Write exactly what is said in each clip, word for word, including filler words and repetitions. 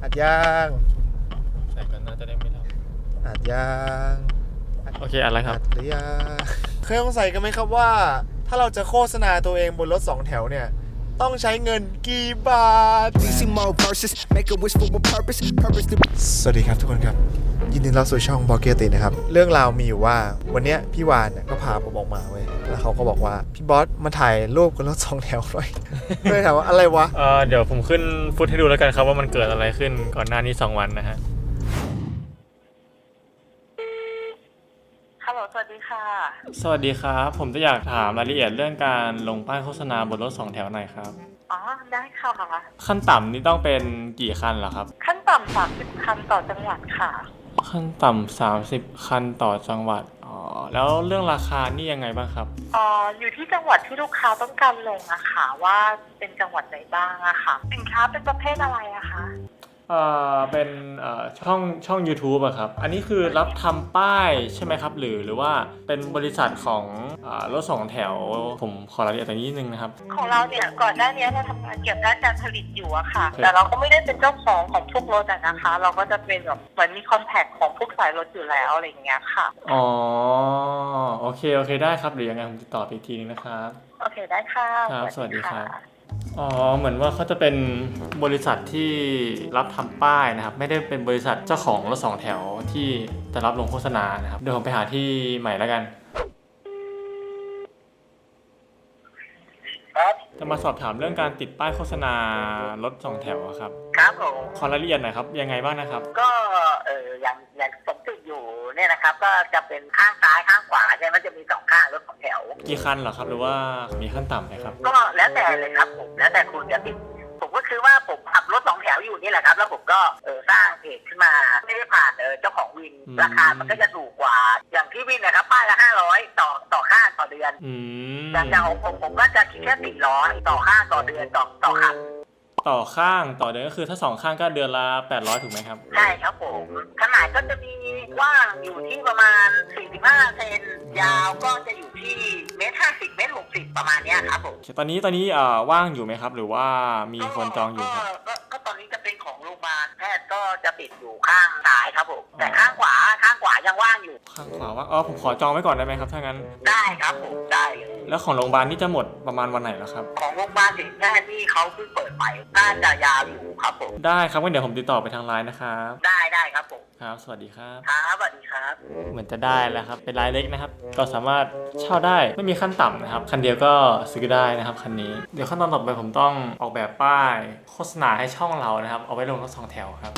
อัดย่างใส่กันน่าจะได้ไม่รับอัดย่างโอเคอะไรครับอัดหรือยังเคยสงสัยกันไหมครับว่าถ้าเราจะโฆษณาตัวเองบนรถสองแถวเนี่ยต้องใช้เงินกี่บาทสวัสดีครับทุกคนครับยินดีต้อนรับสู่ช่องบล็อกเกอร์ตินะครับเรื่องราวมีอยู่ว่าวันนี้พี่วานเนี่ยก็พาผมออกมาเว้ยแล้วเขาก็บอกว่าพี่บอสมาถ่ายรูปกับรถสองแถวหน่อยเลยถามว่าอะไรวะเออเดี๋ยวผมขึ้นฟุตให้ดูแล้วกันครับว่ามันเกิดอะไรขึ้นก่อนหน้านี้สองวันนะฮะฮัลโหลสวัสดีค่ะสวัสดีครับผมจะอยากถามรายละเอียดเรื่องการลงป้ายโฆษณาบนรถสองแถวหน่อยครับอ๋อได้ค่ะขั้นต่ำนี่ต้องเป็นกี่คันเหรอครับขั้นต่ำสามสิบคันต่อจังหวัดค่ะขั้นต่ำสามสิบคันต่อจังหวัดอ๋อแล้วเรื่องราคานี่ยังไงบ้างครับอ๋ออยู่ที่จังหวัดที่ลูกค้าต้องการลงอะค่ะว่าเป็นจังหวัดไหนบ้างอะค่ะสินค้าเป็นประเภทอะไรอะคะเอ่อเป็นเอ่อช่องช่อง YouTube อะครับอันนี้คือรับทำป้ายใช่ไหมครับหรือหรือว่าเป็นบริษัทของอ่ารถสองแถวผมขอรายละเอียดตรงนี้นิดนึงนะครับของเราเนี่ยก่อนหน้านี้เราทำงานเกี่ยวกับด้านการผลิตอยู่อะค่ะแต่เราก็ไม่ได้เป็นเจ้าของของทุกรถอะนะคะเราก็จะเป็นแบบเหมือนมีคอนแทคของทุกสายรถอยู่แล้วอะไรอย่างเงี้ยค่ะอ๋อโอเคโอเคได้ครับหรือยังไงผมติดต่อไปอีกทีนึงนะครับโอเคได้ค่ะครับสวัสดีครับอ๋อเหมือนว่าเขาจะเป็นบริษัทที่รับทำป้ายนะครับไม่ได้เป็นบริษัทเจ้าของรถสองแถวที่จะรับลงโฆษณานะครับเดี๋ยวผมไปหาที่ใหม่แล้วกันครับจะมาสอบถามเรื่องการติดป้ายโฆษณารถสองแถวครับครับผมขอรายละเอียดหน่อยครับยังไงบ้างนะครับก็เอออย่างอย่างผมติดอยู่เนี่ยนะครับก็จะเป็นข้างซ้ายข้างขวาใช่ไหมจะมีสองข้างรถสองแถวกี่คันเหรอครับหรือว่ามีขั้นต่ำไหมครับก็แล้วแต่เลยครับผมแล้วแต่คุณจะติดผมก็คือว่าผมขับรถสองแถวอยู่นี่แหละครับแล้วผมก็เออสร้างเพจขึ้นมาไม่ได้ผ่านเออเจ้าของวินราคามันก็จะถูกกว่าอย่างที่วินนะครับป้ายละห้าร้อยต่อต่อข้างต่อเดือนอย่างอย่างของผมผมก็จะคิดแค่สี่ร้อยต่อข้างต่อเดือนต่อต่อคันต่อข้างต่อเดือนก็คือถ้าสองข้างก็เดือนละแปดร้อยถูกไหมครับใช่ครับผมขนาดก็จะมีกว้างอยู่ที่ประมาณสี่สิบห้าเซนยาวก็จะอยู่ที่เมตรห้าสิบเมตรหกสิบประมาณนี้ครับผมตอนนี้ตอนนี้เอ่อว่างอยู่ไหมครับหรือว่ามีคนจองอยู่ครับก็ก็ตอนนี้จะเป็นของโรงพยาบาลแพทย์ก็จะปิดอยู่ข้างซ้ายครับผมแต่ข้างขวาข้างขวายังว่างอยู่ข้างขวาว่างอ๋อผมขอจองไว้ก่อนได้ไหมครับถ้างั้นได้ครับผมได้แล้วของโรงพยาบาลนี่จะหมดประมาณวันไหนแล้วครับของโรงพยาบาลศิริแพทย์นี่เขาเพิ่งเปิดไปน่าจะยาวอยู่ครับผมได้ครับงั้นเดี๋ยวผมติดต่อไปทางไลน์นะครับได้ได้ครับผมครับสวัสดีครับครับสวัสดีครับเหมือนจะได้แล้วครับเป็นรายเล็กนะครับก็สามารถเช่าได้ไม่มีขั้นต่ำนะครับคันเดียวก็ซื้อได้นะครับคันนี้เดี๋ยวขั้นตอนต่อไปผมต้องออกแบบป้ายโฆษณาให้ช่องเรานะครับเอาไว้ลงรถสองแถวครับ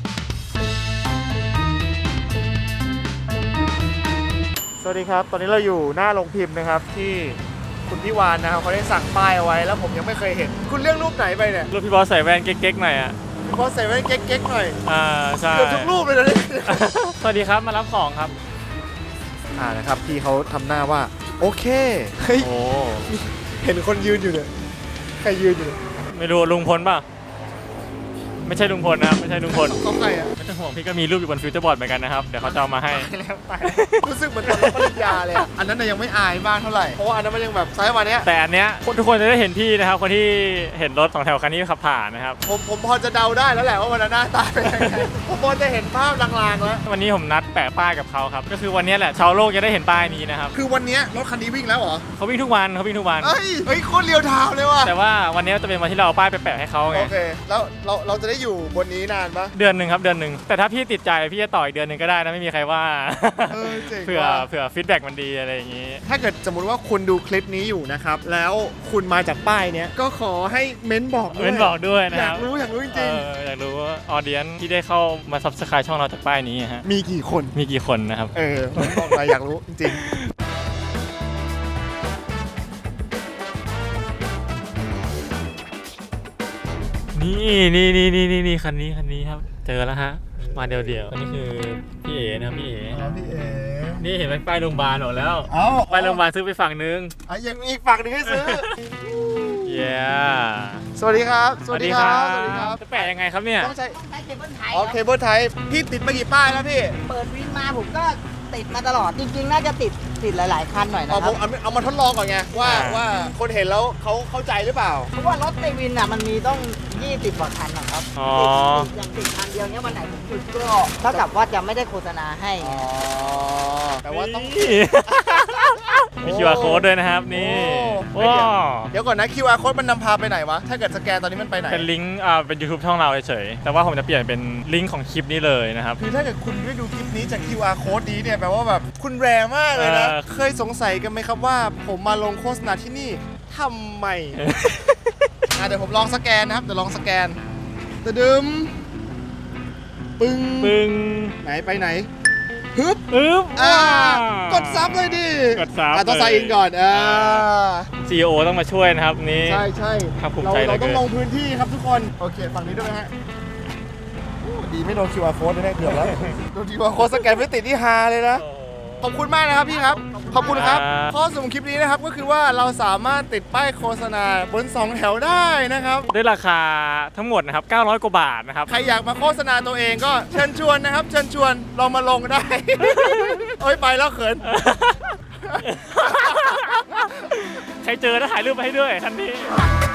สวัสดีครับตอนนี้เราอยู่หน้าโรงพิมพ์นะครับที่คุณพี่วานนะครับเขาได้สั่งป้ายเอาไว้แล้วผมยังไม่เคยเห็นคุณเลือกรูปไหนไปเนี่ยรูปพี่บอสใส่แว่นเก๊กๆหน่อยอ่ะพี่บอสใส่แว่นเก๊กๆหน่อยอ่าใช่เกือบทุกรูปเลยนะเนี่ยสวัสดีครับมารับของครับอ่านะครับพี่เขาทำหน้าว่าโอเคเฮ้ยเห็นคนยืนอยู่เนี่ยใครยืนอยู่ไม่รู้ลุงพลป่ะไม่ใช่ลุงพลนะครับไม่ใช่ลุงพลเขาใครอ่ะไม่ต้องห่วงพี่ก็มีรูปอยู่บนฟิวเจอร์บอร์ดเหมือนกันนะครับเดี๋ยวเขาจะเอามาให้รู้สึกเหมือนตอนรับปริญญาเลยอ่ะอันนั้นยังไม่อายมากเท่าไหร่เพราะว่าอันนั้นมันยังแบบไซส์วันนี้แต่อันเนี้ยทุกคนจะได้เห็นพี่นะครับคนที่เห็นรถสองแถวคันนี้ขับผ่านนะครับผมผมพอจะเดาได้แล้วแหละว่าวันนั้นหน้าตาเป็นยังไงผมพอจะเห็นภาพลางๆแล้ววันนี้ผมนัดแปะป้ายกับเขาครับก็คือวันนี้แหละชาวโลกจะได้เห็นป้ายนี้นะครับคือวันนี้รถคันนี้วิ่งแล้วเหรอเขาวิ่งทุกวันเขาวิ่งทุกวันเฮ้ยเฮ้ยโคตรเรียวทาวเลยว่ะแต่ว่าวันนี้จะเป็นวันที่เราเอาป้ายไปแปะให้เขาไงโอเคแล้วเราเราจะได้อยู่บนนี้นานปะเดือนหนึ่งครับเดือนหนึ่งแต่ถ้าพี่ติดใจพี่จะต่ออีกเดือนหนึ่งก็ได้นะไม่มีใครว่าเผื่อเผื่อฟีดแบ็กมันดีอะไรอย่างนี้ถ้าเกิดสมมติว่าคุณดูคลิปนี้อยู่นะครับแล้วคุณมาจากป้ายเนี้ยก็ขอให้เม้นบอกด้วยเม้นบอกด้วยนะอยากรู้อยากรู้จริงๆอยากรู้ว่าออเดียนที่ได้เข้ามาซับสไครต์ช่องเราจากป้ายนี้ฮะมีกี่คนมีกี่คนนะครับเออบอกมาอยากรู้จริงนี่นี่นี่นี่นี่นี่คันนี้คันนี้ครับเจอแล้วฮะมาเดียวเดียวอันนี้คือพี่เอ๋นะพี่เอ๋พี่เอ๋นี่เห็นไหมป้ายโรงพยาบาลออกแล้วเอ้าป้ายโรงพยาบาลซื้อไปฝั่งนึงอ่ะยังมีอีกฝั่งนึงให้ซื้อเย้สวัสดีครับสวัสดีครับสวัสดีครับจะแปะยังไงครับเนี่ยต้องใช้เคเบิลไทยอ๋อเคเบิลไทยพี่ติดมากี่ป้ายแล้วพี่เปิดวินมาผมก็ติดมาตลอดจริงๆน่าจะติดติดหลาย ๆ คันหน่อยนะเอาคผรับมเอาเอามาทดลองก่อนไงว่าอ่าว่าคนเห็นแล้วเขาเข้าใจหรือเปล่าเพราะว่ารถในวินอ่ะมันมีต้องยี่สิบกว่าคันนะครับอ๋อติดอย่างติดคันเดียวเนี้ยวันไหนผมหยุดก็เท่ากับว่าจะไม่ได้โฆษณาให้อ๋อแต่ว่าต้องนี่ มี คิว อาร์ code ด้วยนะครับนี่โอ้ว้าเดี๋ยวก่อนนะ คิว อาร์ code มันนำพาไปไหนวะ ถ้าเกิดสแกนตอนนี้มันไปไหนเป็นลิงก์อ่าเป็น YouTube ช่องเราเฉยๆแต่ว่าผมจะเปลี่ยนเป็นลิงก์ของคลิปนี้เลยนะครับคือถ้าเกิดคุณได้ดูคลิปนี้จาก คิว อาร์ code นี้เนี่ยแปลว่าแบบคุณแรมากเลยนะเออเคยสงสัยกันไหมครับว่าผมมาลงโฆษณาที่นี่ทำไม อ่ะเดี๋ยวผมลองสแกนนะครับ เดี๋ยวลองสแกนตะดึมปึ้งปึ้งไหนไปไหนฮึบอึ๊บอ่าว้าวกดซับเลยดิกดซับอ่ะต้องเลยใส่อินก่อนอ่าซี อี โอ ต้องมาช่วยนะครับนี่ใช่ใช่ภาคภูมิเราใจเหลืเราอเกินต้องลงพื้นที่ครับทุกคน โอเค ฝั่งนี้ด้วยไหมฮะโอ้ดีไม่โดน คิว อาร์ code แน่ๆเกือบแล้ว โดน คิว อาร์ code สแกนไม่ติดที่ฮาเลยนะ ขอบคุณมากนะครับพี่ครับ ขอบคุณครับครับข้อสรุปคลิปนี้นะครับก็คือว่าเราสามารถติดป้ายโฆษณาบนสองแถวได้นะครับด้วยราคาทั้งหมดนะครับเก้าร้อยกว่าบาทนะครับใครอยากมาโฆษณาตัวเองก็เชิญชวนนะครับ เชิญชวนลองมาลงได้ โอ้ยไปแล้วเขินใครเจอแล้วถ่ายรูปไปให้ด้วยทันที